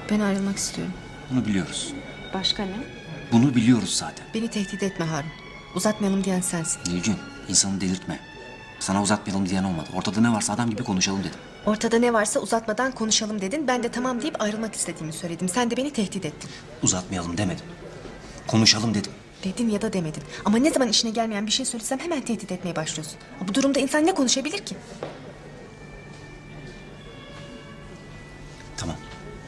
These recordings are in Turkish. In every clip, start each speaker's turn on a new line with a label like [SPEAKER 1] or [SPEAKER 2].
[SPEAKER 1] Ben ayrılmak istiyorum.
[SPEAKER 2] Bunu biliyoruz.
[SPEAKER 1] Başka ne?
[SPEAKER 2] Bunu biliyoruz zaten.
[SPEAKER 1] Beni tehdit etme Harun. Uzatmayalım diyen sensin.
[SPEAKER 2] Nilgün, insanı delirtme. Sana uzatmayalım diyen olmadı. Ortada ne varsa adam gibi konuşalım dedim.
[SPEAKER 1] Ortada ne varsa uzatmadan konuşalım dedin. Ben de tamam deyip ayrılmak istediğimi söyledim. Sen de beni tehdit ettin.
[SPEAKER 2] Uzatmayalım demedim. Konuşalım dedim.
[SPEAKER 1] Dedin ya da demedin. Ama ne zaman işine gelmeyen bir şey söylesem hemen tehdit etmeye başlıyorsun. Bu durumda insan ne konuşabilir ki?
[SPEAKER 2] Tamam.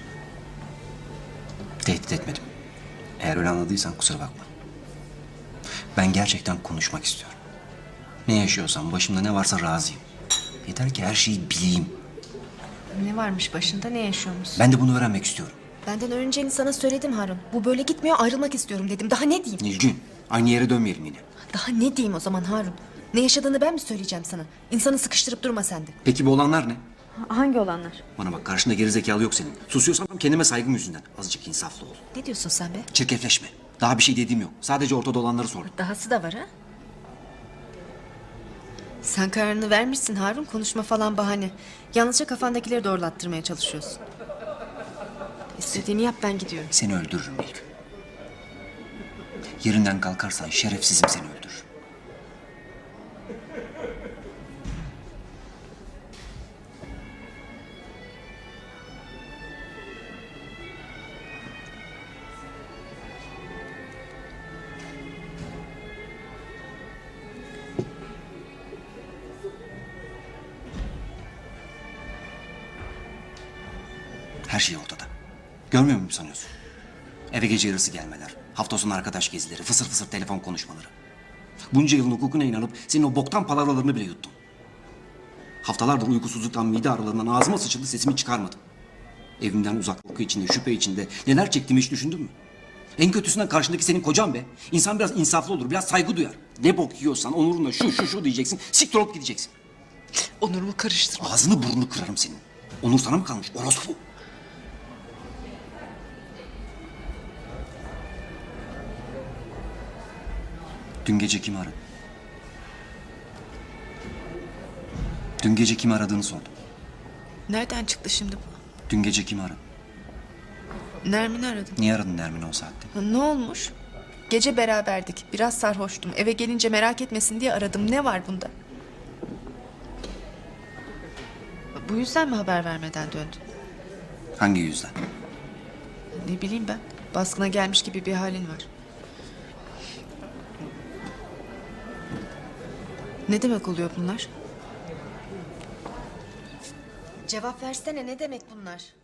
[SPEAKER 2] Tehdit etmedim. Eğer öyle anladıysan kusura bakma. Ben gerçekten konuşmak istiyorum. Ne yaşıyorsam, başımda ne varsa razıyım. Yeter ki her şeyi bileyim.
[SPEAKER 1] Ne varmış başında, ne yaşıyormuş?
[SPEAKER 2] Ben de bunu öğrenmek istiyorum.
[SPEAKER 1] Benden öğreneceğini sana söyledim Harun. Bu böyle gitmiyor, ayrılmak istiyorum dedim. Daha ne diyeyim?
[SPEAKER 2] Nilgün, aynı yere dönmeyelim yine.
[SPEAKER 1] Daha ne diyeyim o zaman Harun? Ne yaşadığını ben mi söyleyeceğim sana? İnsanı sıkıştırıp durma sen de.
[SPEAKER 2] Peki bu olanlar ne?
[SPEAKER 1] Hangi olanlar?
[SPEAKER 2] Bana bak, karşında gerizekalı yok senin. Susuyorsam kendime saygım yüzünden. Azıcık insaflı ol.
[SPEAKER 1] Ne diyorsun sen be?
[SPEAKER 2] Çirkefleşme. Daha bir şey dediğim yok. Sadece ortada olanları sordum.
[SPEAKER 1] Dahası da var ha? Sen kararını vermişsin Harun. Konuşma falan bahane. Yalnızca kafandakileri doğrulattırmaya çalışıyorsun. İstediğini yap, ben gidiyorum.
[SPEAKER 2] Seni öldürürüm Nilgün. Yerinden kalkarsan şerefsizim, seni öldürürüm. Her şey ortada. Görmüyor muyum sanıyorsun? Eve gece yarısı gelmeler, hafta sonu arkadaş gezileri, fısır fısır telefon konuşmaları. Bunca yılın hukukuna inanıp senin o boktan palavralarını bile yuttum. Haftalardır uykusuzluktan, mide ağrılarından ağzıma sıçıldı, sesimi çıkarmadım. Evimden uzaklık içinde, şüphe içinde neler çektiğimi hiç düşündün mü? En kötüsünden karşındaki senin kocan be. İnsan biraz insaflı olur, biraz saygı duyar. Ne bok yiyorsan onurunla şu diyeceksin, siktir olup gideceksin.
[SPEAKER 1] Onurumu karıştırma.
[SPEAKER 2] Ağzını burnunu kırarım senin. Onur sana mı kalmış, orospu? Dün gece kimi aradın? Dün gece kimi aradığını sordum.
[SPEAKER 1] Nereden çıktı şimdi bu?
[SPEAKER 2] Dün gece kimi aradın?
[SPEAKER 1] Nermin'i aradım.
[SPEAKER 2] Niye aradın Nermin'i o saatte?
[SPEAKER 1] Ne olmuş? Gece beraberdik. Biraz sarhoştum. Eve gelince merak etmesin diye aradım. Ne var bunda? Bu yüzden mi haber vermeden döndün?
[SPEAKER 2] Hangi yüzden?
[SPEAKER 1] Ne bileyim ben. Baskına gelmiş gibi bir halin var. Ne demek oluyor bunlar? Cevap versene, ne demek bunlar?